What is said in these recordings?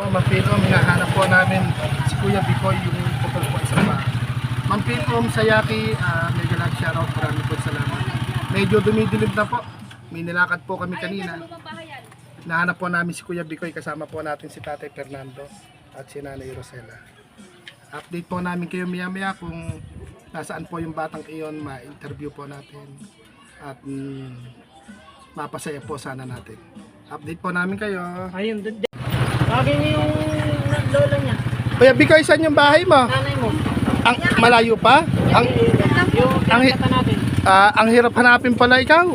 po, Ma'am Pilom, hinahanap po namin si Kuya Bikoy, yung putol po isang bahay. Ma'am Pilom, Sayaki, mega love shoutout, maraming po salamat. Medyo dumidilim na po, may nilakad po kami kanina. Hinahanap po namin si Kuya Bikoy, kasama po natin si Tatay Fernando at si Nanay Rosela. Update po namin kayo maya-maya kung nasaan po yung batang iyon, ma-interview po natin at mapasaya po sana natin. Update po namin kayo. Ayun, bagay niyo yung lola niya. Kuya Bikoy, saan yung bahay mo? Nanay mo. Ang malayo pa? Ang Yung natin. ang hirap hanapin pala ikaw.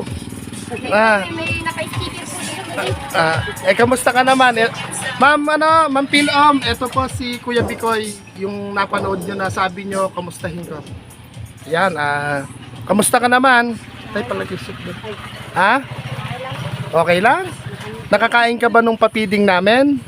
May naka-sticker po dito. Kamusta ka naman? Ma'am Pilom, ito po si Kuya Bikoy, yung napanood nyo na sabi nyo, kamustahin ko. Yan, kamusta ka naman? Ay, palagi-sip doon. Ha? Okay lang? Nakakain ka ba nung papiding namin?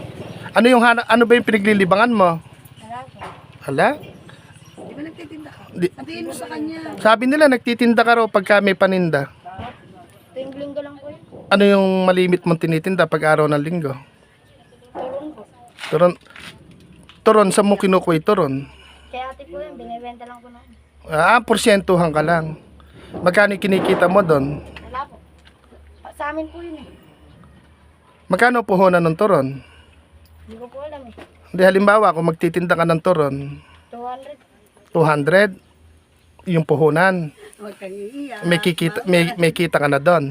Ano ba yung pinaglilibangan mo? Hala? Di ba nagtitinda ka? Di, Sabihin mo sa kanya. sabi nila nagtitinda ka raw pagka may paninda. Tuwing linggo lang po yun. Ano yung malimit mong tinitinda pag araw ng linggo? Tulong po. Turon. Turon, sa mo kinukuha turon? Kaya ate po yun, binibenta lang po namin. Porsyentuhan ka lang. Magkano yung kinikita mo doon? Wala po. Sa amin po yun eh. Magkano puhunan ng turon? Hindi ko po alam eh. Hindi, halimbawa, kung magtitinda ka ng turon, 200. 200 yung puhunan. Huwag kang iiyak. May kita ka na doon.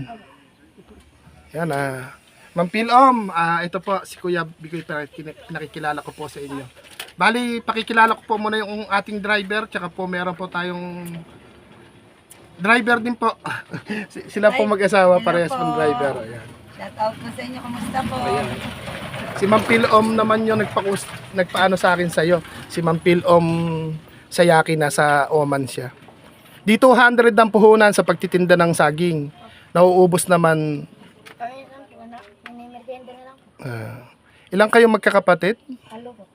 Yan Ma'am Pilom, ito po si Kuya Bikoy, pinakikilala ko po sa inyo. Bali, pakikilala ko po muna yung ating driver, tsaka po meron po tayong driver din po. Sila po mag-asawa, parehas pong driver. Ayan. Shout out po sa inyo. Kamusta po? Ayan. Si Ma'am Pilom naman yung nagpaano sa akin sa'yo. Si Ma'am Pilom Sayaki, nasa Oman siya. Di 200 ang puhunan sa pagtitinda ng saging. Nauubos naman. Kami lang po. May merienda na lang po. Ilang kayo magkakapatid? Halo po.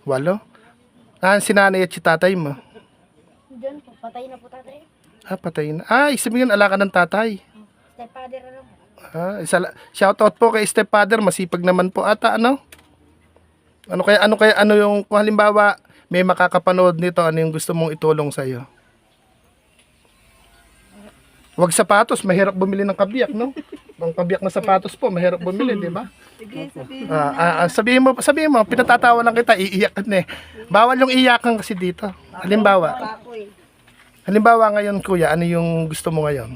8? Si nanay at si tatay mo. Diyan po. Patay na po tatay. Patay na. Isipin yun, alaka ng tatay. Stepfather na lang po. Shoutout po kay stepfather, masipag naman po ata, ano? Ano yung, kung halimbawa, may makakapanood nito, ano yung gusto mong itulong sa'yo? Huwag sapatos, mahirap bumili ng kabiyak, no? Ang kabiyak na sapatos po, mahirap bumili, di ba? Sige, sabihin. Sabihin mo, pinatatawa lang kita, iiyak ka na eh. Bawal yung iyakan kasi dito. Halimbawa ngayon, kuya, ano yung gusto mo ngayon?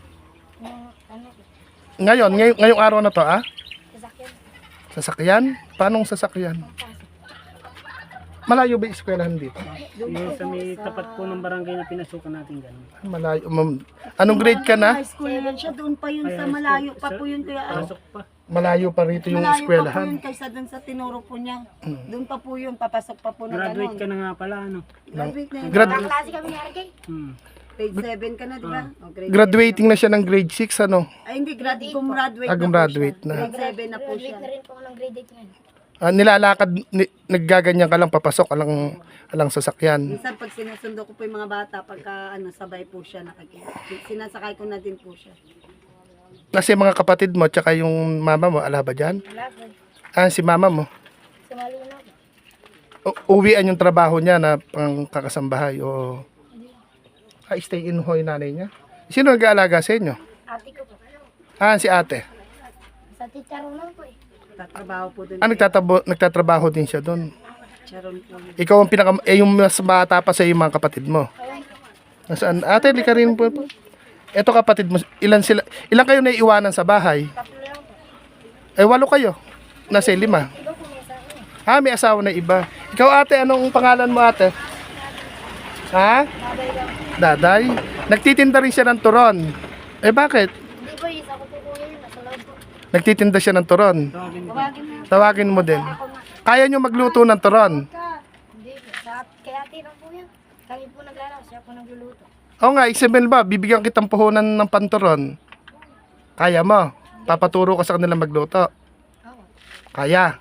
Ngayong araw na to, Sasakyan. Sasakyan? Paanong sasakyan? Malayo ba yung eskwelahan dito? Yung sa may tapat po ng barangay na pinasukan natin dyan. Malayo. Anong grade ka na? High school na yan siya, doon pa yun sa malayo pa po yun kaya Pasok pa. Malayo pa rito yung malayo pa po eskwelahan. yun kaysa doon sa tinuro po niya. Doon pa po yun, papasok pa po na Graduate ka gano'n. na nga pala, ano? Graduate na yun. Kaklase kami ni RK. Grade 7 ka na, di ba? O, grade Graduating na siya ng grade 6, ano? 7. Ay hindi, gumraduate na Gumraduate po na. siya. Grade 7 na po siya. Graduate na rin po ako ng grade 8 ngayon. Nilalakad, naggaganyan ka lang, papasok, alang sasakyan. Minsan pag sinusundo ko po yung mga bata, pagka sabay po siya, sinasakay ko na din po siya. Kasi mga kapatid mo, tsaka yung mama mo, ala ba dyan? Wala po. Si mama mo. Sumali na po. Uwian yung trabaho niya na pang kakasambahay o stay in ho yung nanay niya. Sino nag-aalaga sa inyo? Ate ko po. Si ate. Sa Chicharon lang po eh. Tatrabaho po doon. Nagtatrabaho din siya doon. Charon po. Ikaw ang yung mas bata pa sa yung mga kapatid mo. Nasaan? Ate, di ka rin po. Ito kapatid mo, ilan kayo naiiwanan sa bahay? Tatlo lang po. 8 kayo. Nasa 5. Iba po may asawa eh. May asawa na iba. Ikaw ate, anong pangalan mo ate? Ha? Babay lang. Daday? Nagtitinda rin siya ng turon. Bakit? Hindi po, isa ko po kuya yun. Nasa loob po. Nagtitinda siya ng turon. Tawagin mo. Tawagin mo din. Ako nga. Kaya nyo magluto ng turon. Hindi po. Kaya ate lang po yan. Kami po naglalaro. Siya po nagluluto. Oo nga, Isabel ba, bibigyan kitang puhunan ng panturon. Kaya mo. Papaturo ka sa kanila magluto. Oo. Kaya.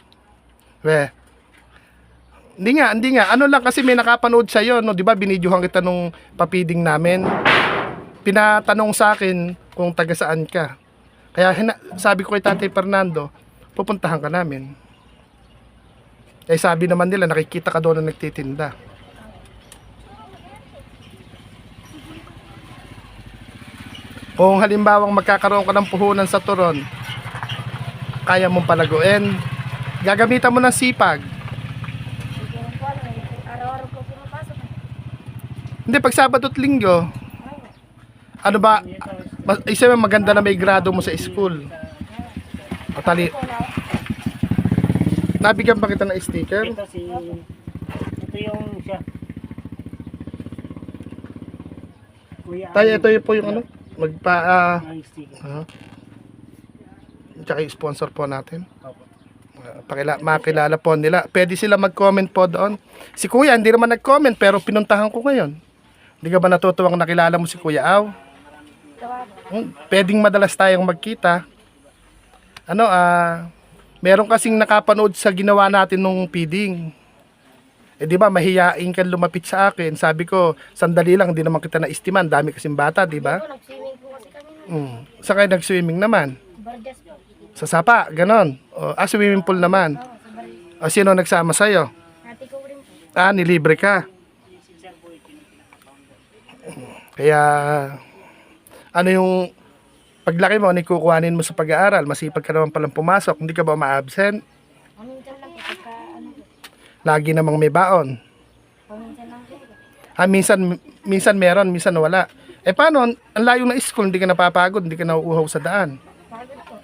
Hindi nga. Ano lang kasi may nakapanood sa'yo, no? Di ba, binidyohan kita nung papiding namin. Pinatanong sa akin kung taga saan ka. Kaya sabi ko kay Tatay Fernando, pupuntahan ka namin. Eh sabi naman nila, nakikita ka doon na nagtitinda. Kung halimbawang magkakaroon ka ng puhunan sa turon, kaya mong palaguin. Gagamitan mo ng sipag. Hindi ko rin po alam. Araw-araw po pumapasok. Hindi, pag Sabado at Linggo, ano ba, isa maganda na may grado mo sa school. Patali. Nabigyan ba kita ng sticker? Ito yung siya. Kuya Tayo, ito po yung ano, ang sticker. Tsaka yung sponsor po natin. Opo. Makilala po nila. Pwede sila mag-comment po doon. Si Kuya, hindi naman nag-comment, pero pinuntahan ko ngayon. Hindi ka ba natutuwang nakilala mo si Kuya Aw? Pwedeng madalas tayong magkita. Ano, meron kasing nakapanood sa ginawa natin nung feeding. Eh di ba, mahiyain ka lumapit sa akin. Sabi ko, sandali lang, hindi naman kita na-estiman. Dami kasing bata, di ba? Po, nag-swimming po kasi kami. Saan kayo nag-swimming naman? Barjas po. Sa sapa, ganon. Swimming pool naman. Oo, sa Barjas. Sino nagsama sa'yo? Ate ko rin po. Nilibre ka. Kaya, ano yung paglaki mo, ano yung kukuhanin mo sa pag-aaral? Masipag ka naman palang pumasok. Hindi ka ba ma-absent? Paminsan lang po. Pagka ano po. Lagi namang may baon. Paminsan lang po. Minsan meron, minsan wala. Eh paano, ang layo ng school, hindi ka napapagod, hindi ka nauuhaw sa daan. Pagod po.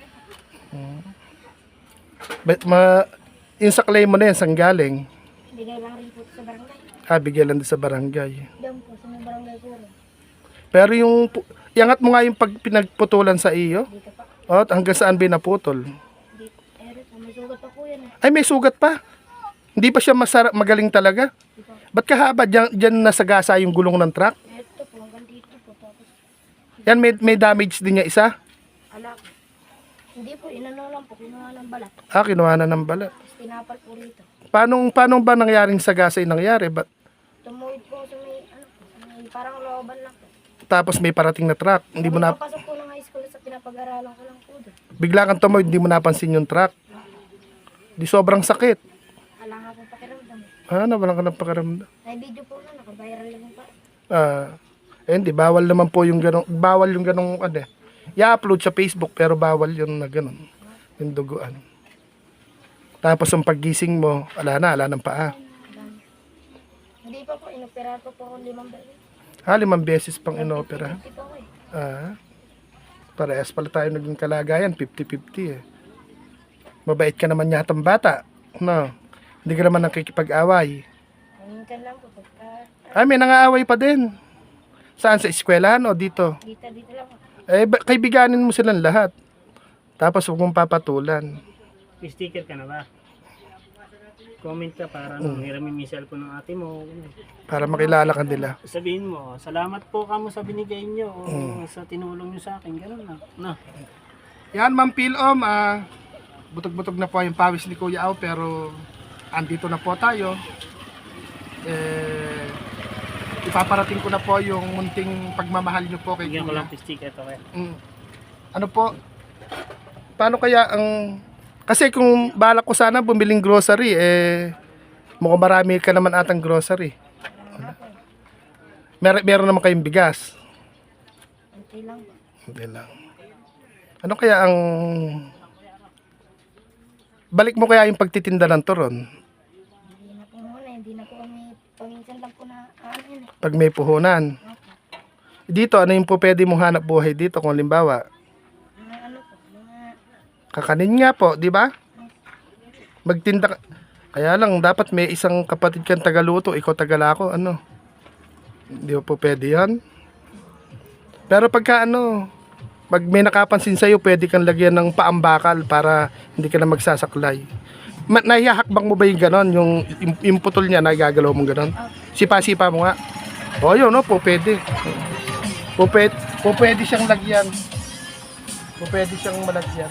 Yung sa claim mo na yan, saan galing? Bigay lang rin po sa barangay. Bigay lang din sa barangay. Diyan po, sa may barangay po rin. Pero iangat mo nga yung pag pinagputulan sa iyo. Dito pa. Hanggang saan ba naputol? Dito. Po, may sugat pa po yan eh. Ay, may sugat pa. Hindi pa siya magaling talaga. Dito. Ba't kahaba dyan nasagasa yung gulong ng truck? Ito po, hanggang dito po. Tapos, Yan, may damage din niya isa. alak. Hindi po, inano lang po. Kinuha ng balat. Kinuha na ng balat. Tapos tinapal po rito. Paano ba nangyaring sagasa yung nangyari? Tumuhid po sa may, ano po, sa may parang looban lang po. Tapos may parating na truck. Hindi mo na, Papasok po ng high school sa pinapag-aralan ko lang po doon. bigla kang tumawid, hindi mo napansin yung truck. Di sobrang sakit. Wala nga po pakiramdam. Walang ka ng pakiramdam. May video po na, naka-viral lang pa. Hindi, bawal naman po yung ganong, bawal yung ganong, i-upload sa Facebook, pero bawal yung na ganon, yung duguan. Tapos ang paggising mo, wala ng paa. Hindi pa po, inopera po po ako 5 beses. 5 beses pang inopera. Hindi po ako eh. Parehas pala tayo naging kalagayan, 50-50 eh. Mabait ka naman yatang bata, no? Hindi ka naman nakikipag-away. Minsan lang po, pagka May nangaaway pa din. Saan? Sa eskwelahan o dito? dito lang po. Kaibiganin mo silang lahat. Tapos huwag mong papatulan. May sticker ka na ba? Comment ka para hiramin yung cellphone ng ate mo. Para makilala ka nila. Sabihin mo, salamat po kamo sa binigay nyo o sa tinulong nyo sa akin. Ganun na. No. Yan, Ma'am Pilom. Butog-butog na po yung pawis ni Kuya Aw, pero andito na po tayo. Ipaparating ko na po yung munting pagmamahal nyo po kay Bigyan ko Kuya. lang sticker to kaya. Ano po? Paano kaya ang... Kasi kung balak ko sana bumiling grocery, mukhang marami ka naman atang grocery. Meron naman kayong bigas. Kunti lang po. Hindi lang. Ano kaya ang... Balik mo kaya yung pagtitinda ng turon? Hindi na po muna, hindi na po kami, paminsan lang po na, yun eh. Pag may puhunan. Dito, ano yung po pwede mong hanap buhay dito kung limbawa? Mga ano po, mga, Kakanin nga po, di ba? Magtinda ka. Kaya lang, dapat may isang kapatid kang tagaluto, ikaw tagalako, ano? Hindi po pwede yan. Pero pagka pag may nakapansin sa'yo, pwede kang lagyan ng paambakal para hindi ka na magsasaklay. Nahihakbang mo ba yung ganon? Yung putol niya, nagagalaw mong ganon? Sipa-sipa mo nga. O yun, po pwede. Po pwede siyang lagyan. Po pwede siyang malagyan.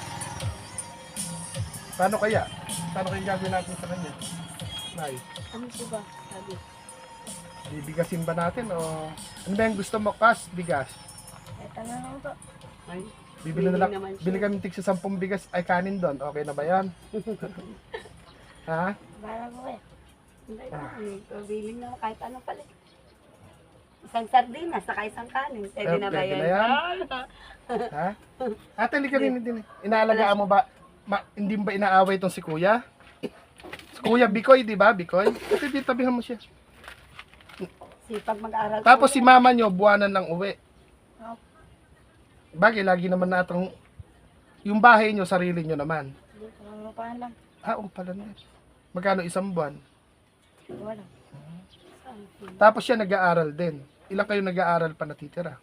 Paano kaya? Paano kaya gagawin natin sa kanya? Nay, ano po ba, sabi? bibigasin ba natin o ano ba yung gusto mo? Bigas? Ito na lang po. Ay, Bibili na lang, bili kami tig sa 10 bigas ay kanin doon. Okay na ba yan? Ha? Bahala po kayo. Hindi na, bilhin na kahit ano pala. Isang sardinas, saka isang kanin. Pwede na ba Pwede yun? na yan. Ha? Ate, halika rin din. Inaalagaan mo ba? Hindi ba inaaway itong si Kuya? Si Kuya Bikoy, di ba? Bikoy? Ate, di tabihan mo siya. Sipag mag-aral. Tapos si mama nyo, buwanan lang uwi. Opo. Bagay, lagi naman natang... Yung bahay nyo, sarili nyo naman. Hindi ko lang lupahan lang. Oo, pala na. Magkano isang buwan? Wala. Tapos siya nag-aaral din. Ilang kayo nag-aaral pa natitira?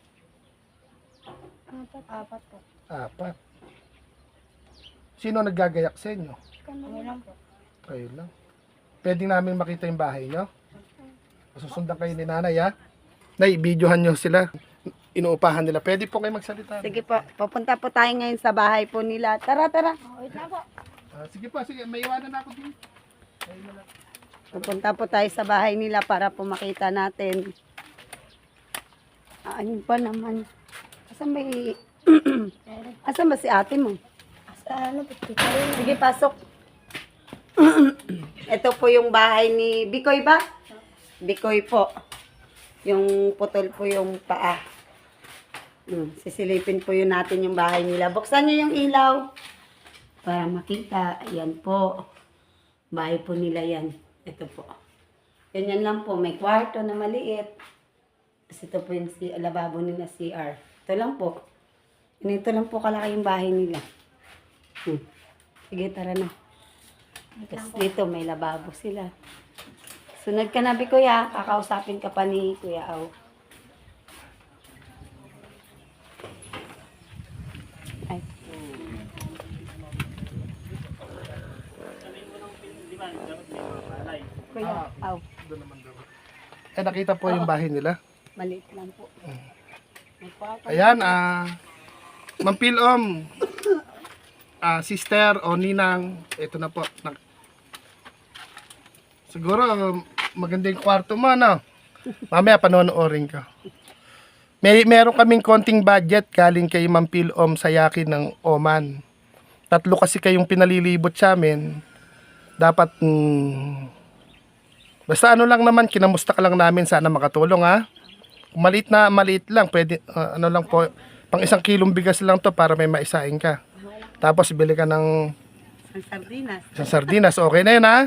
Apat po. 4. Sino naggagayak sa inyo? Kami lang po. Kayo lang. Pwede namin makita yung bahay nyo? Susundan kayo ni nanay, ha? Nay, videohan nyo sila. Inuupahan nila. Pwede po kayo magsalita. Sige po, papunta po tayo ngayon sa bahay po nila. Tara, tara. Wait na po. Sige po, sige. May iwanan ako din. Ayun na lang. Pupunta po tayo sa bahay nila para po makita natin. Ayun pa naman. Asan ba asan ba si ate mo? Asa ano po? Sige, pasok. Ito po yung bahay ni Bikoy ba? Bikoy po. Yung putol po yung paa. Sisilipin po yun natin yung bahay nila. Buksan nyo yung ilaw. Para makita. Ayan po. Bahay po nila yan. Ito po. Ganyan lang po. May kwarto na maliit. Tapos ito po yung lababo nila, CR. Ito lang po. Ganito lang po kalaki yung bahay nila. Sige, tara na. Tapos dito may lababo sila. Sunod ka na, Kuya. Kakausapin ka pa ni Kuya Aw. Ay. Kuya Aw. Doon naman daw. Nakita po yung bahay nila. Maliit lang po. May kwarto. Ayan, Ma'am Pilom, sister o ninang, ito na po. Siguro, maganda yung kwarto mo, no? Mamaya, panonoorin ka. Meron kaming konting budget galing kay Ma'am Pilom Sayaki ng Oman. 3 kasi kayong pinalilibot sa amin. Dapat, basta ano lang naman, kinamusta ka lang namin, sana makatulong, ha? Kung maliit lang, pwede, ano lang po, pang 1 kilong bigas lang to para may maisain ka. Tapos, bili ka ng Ang sardinas. isang sardinas, okay na yun, ha?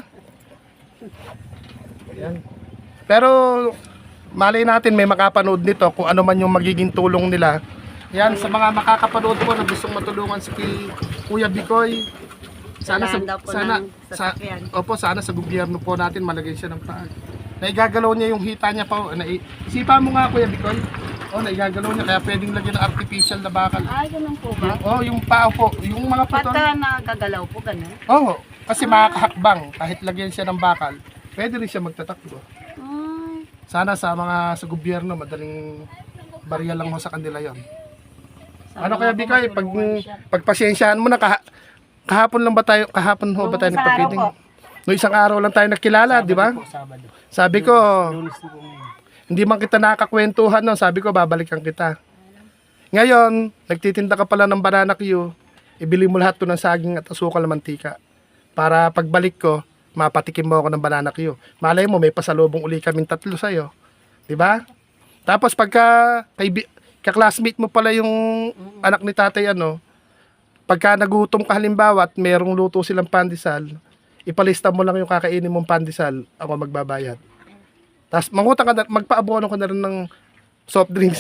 Ayan. Pero, malay natin may makapanood nito kung ano man yung magiging tulong nila. Yan, sa mga makakapanood po na gustong matulungan si Kuya Bikoy, sana Kailangan daw po sana ng sasakyan. sana sa gobyerno po natin malagay siya ng paan. Naigagalaw niya yung hita niya pa. Isipa mo nga, Kuya Bikoy. Naigagalaw niya kaya pwedeng lagyan ng artificial na bakal. Ay, ganun po ba? Yung paa po, yung mga putol. Pagka nagagalaw po, ganun. Kasi makakahakbang kahit lagyan siya ng bakal. Pwede rin siya magtatakbo. Ay, Sana sa sa gobyerno madaling barya lang mo sa kanila 'yon. Ano kaya Bikoy, pagpasensyahan mo na kahapon ho ba tayo nagpa-feeding? No, isang araw lang tayo nakilala, di ba? Sabado. Sabi ko, Lunes na po ngayon. hindi man kita nakakwentuhan, no? Sabi ko, babalikan kita. Ngayon, nagtitinda ka pala ng banana Q, ibili mo lahat to ng saging at asukal na mantika. Para pagbalik ko, mapatikim mo ako ng banana Q. Malay mo, may pasalubong uli kaming 3 sa'yo. Di ba? Tapos pagka kaklasmate mo pala yung anak ni tatay, pagka nagutom ka halimbawa at merong luto silang pandesal, ipalista mo lang yung kakainin mong pandesal, ako magbabayad. Tapos mangutang ka na, magpaabono ka na rin ng soft drinks,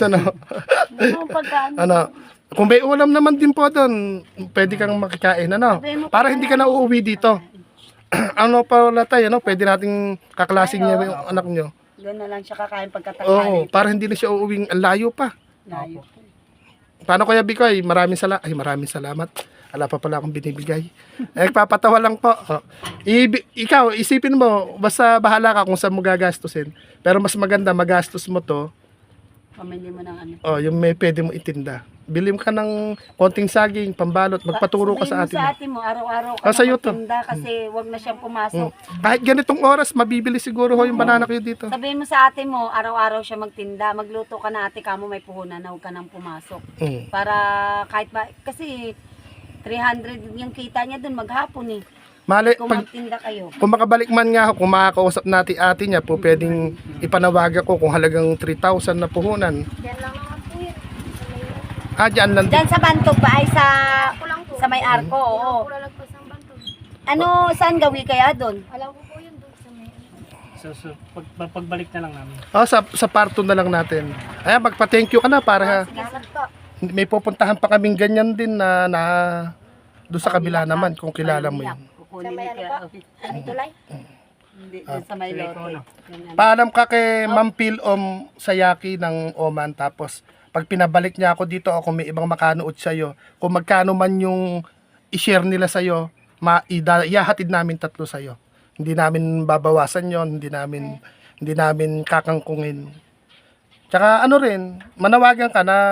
kung may ulam naman din po doon, pwede kang makikain, para hindi ka na uuwi dito. Pala tayo, pwede nating kaklasing niya yung anak nyo. doon na lang siya kakain pagkatanghali. Oo, para hindi na siya uuwing ang layo pa. Layo. Paano Kuya Bikoy? Maraming salamat. Wala pa pala akong binibigay. Nagpapatawa lang po. Ikaw, isipin mo, basta bahala ka kung saan mo gagastusin. Pero mas maganda, magastos mo to. Pamili mo ng ano. Yung may pwede mo itinda. Bilim ka ng konting saging, pambalot, magpaturo ka sa atin. Sabihin mo sa ate mo, araw-araw ka Sa'yo to. magtinda kasi wag na siyang pumasok. Kahit ganitong oras, mabibili siguro ho yung banana kayo dito. Sabihin mo sa ate mo, araw-araw siya magtinda. Magluto ka na ate, kamo may puhunan na huwag ka nang pumasok. Para kahit ba, kasi 300 yung kita niya dun maghapon eh. Mali, Kung pag, magtinda kayo. kung makabalik man nga ako, kung makakausap natin ate niya po, pwedeng ipanawag ako kung halagang 3,000 na puhunan. Yan lang naman po yun. Sa may... Ah, dyan lang. Diyan sa Bantog ba ay sa Ako lang po. sa may arko? Oo. Wala lagpas ng bantog. Ano, saan gawi kaya doon? Alam ko po yun doon sa may... So pagbalik na lang namin. Oh, sa parto na lang natin. Ayan, magpa-thank you ka na para Salamat po. may pupuntahan pa kaming ganyan din na doon sa kabila naman kung kilala mo yun. Kukunin Sa may ni ano Kuya. po? Ano tulay? Hindi, doon sa may Sa may lote. kono. Ganyan. Paalam ka kay Ma'am Pilom Sayaki ng Oman, tapos pag pinabalik niya ako dito o kung may ibang makanood sa'yo, kung magkano man yung i-share nila sa'yo, ihahatid namin 3 sa'yo. Hindi namin babawasan yon, hindi namin kakangkungin. Tsaka ano rin, manawagan ka na,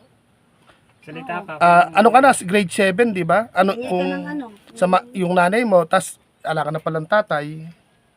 Salita ka. ano ka na, grade 7, di ba? Ano, Hingi ka kung ng ano. yung nanay mo, tas ala ka na palang tatay,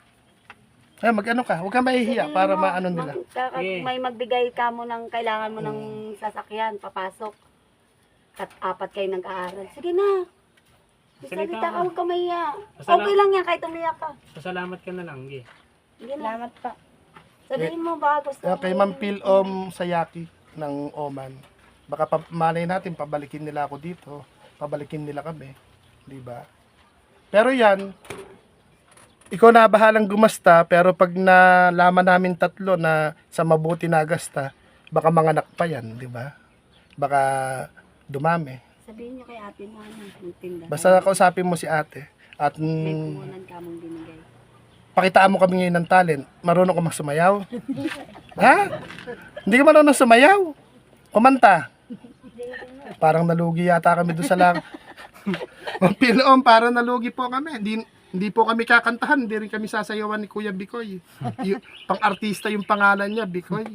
ay mag-ano ka, huwag kang mahihiya para maano nila. Sige. May magbigay ka mo ng kailangan mo ng sasakyan, papasok. At 4 kayo nag-aaral. Sige na. Salita ka, huwag ka mahiya. Okay lang yan kahit umiyak ka. Pasalamat ka na lang, Gi. Sige na. Salamat po. Sabihin mo ba gusto Kaya kay Ma'am Pilom Sayaki ng Oman, baka malay natin pabalikin nila ako dito, pabalikin nila kami, di ba? Pero yan, ikaw na bahalang gumasta, pero pag nalaman namin 3 na sa mabuti na gasta, baka manganak pa yan, di ba? Baka dumami. Sabihin niyo kay ate mo ano, magtinda. Basta kausapin mo si ate at May kumunan ka mong binigay. pakitaan mo kami ngayon ng talent. Marunong ka magsumayaw? Ha? Hindi ka marunong sumayaw? Kumanta? Parang nalugi yata kami doon sa lang. Pilom, parang nalugi po kami. Hindi po kami kakantahan. Hindi rin kami sasayawan ni Kuya Bikoy. Pang-artista yung pangalan niya, Bikoy.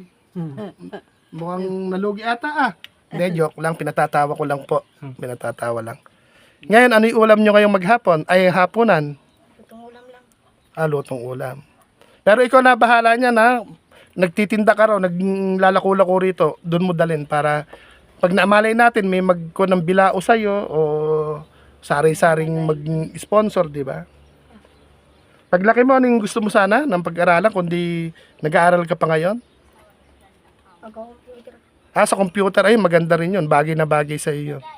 Mukhang nalugi ata ah. Hindi, joke lang. Pinatatawa ko lang po. Pinatatawa lang. Ngayon, ano yung ulam nyo ngayong maghapon? Ay, hapunan. Itong ulam lang. Lutong ulam. Pero ikaw na bahala niya na. Nagtitinda ka raw, naglalako-lako rito. Doon mo dalhin para pag naamalay natin, may magko ng bilao sa'yo o sari-saring mag-sponsor, di ba? Paglaki mo, anong gusto mo sana ng pag-aralan kundi nag-aaral ka pa ngayon? Mag-computer. Sa computer, ay maganda rin yun. Bagay na bagay sa iyo yun.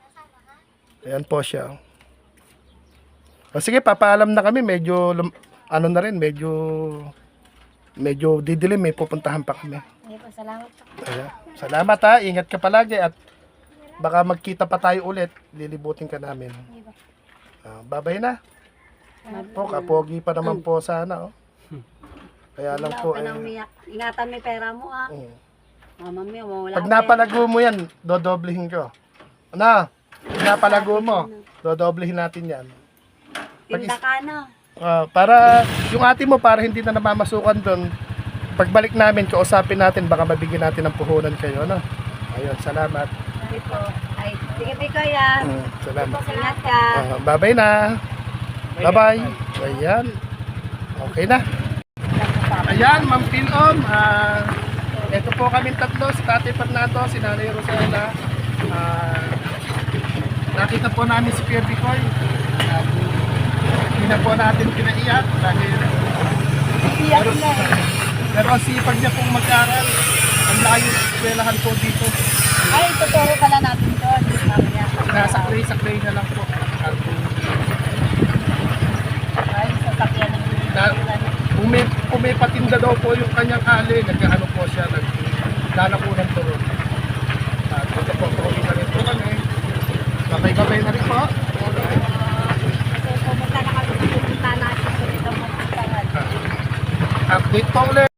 Ayan po siya. O sige, papaalam na kami. Medyo, ano na rin, medyo didilim. May pupuntahan pa kami. Hindi po, salamat po. Ayan. Salamat ha. Ingat ka palagi at baka magkita pa tayo ulit. Lilibutin ka namin. Hindi po. Babay na. Po, kapogi pa naman po sana. Oh. Kaya lang Wala po. ka nang umiyak. Ingatan mo yung pera mo ah. Mama mo, wala Pag napalago mo yan, dodoblehin ko. Ano? Pag napalago mo, dodoblehin natin yan. Tinda ka na. Para yung ate mo, para hindi na namamasukan doon, pagbalik namin, kausapin natin, baka mabigyan natin ng puhunan kayo. Ano? Ayun, salamat. Sige po. Ay, sige po kuya. Salamat. Ingat ka. Bye-bye na. Bye-bye. Ayan. Okay na. Ayan, Ma'am Pilom. Ito po kami 3, si Tate Fernando, si Nanay Rosella. Nakita po namin si Kuya Bikoy. Hindi na po natin pinaiyak dahil pero ang sipag niya pong mag-aral. Ang layo eskwelahan po dito. Ay, tuturo pala natin doon. Mamaya. Nasakray na lang po. Ay, sasakyan ng Kung may patinda daw po yung kanyang ali, nag-ano po siya, naglalako ng turon. Ito po, tuloy na rin po kami. Babay-babay na rin po. pumunta na kami. Pumunta natin. Pumunta natin. Update po ulit.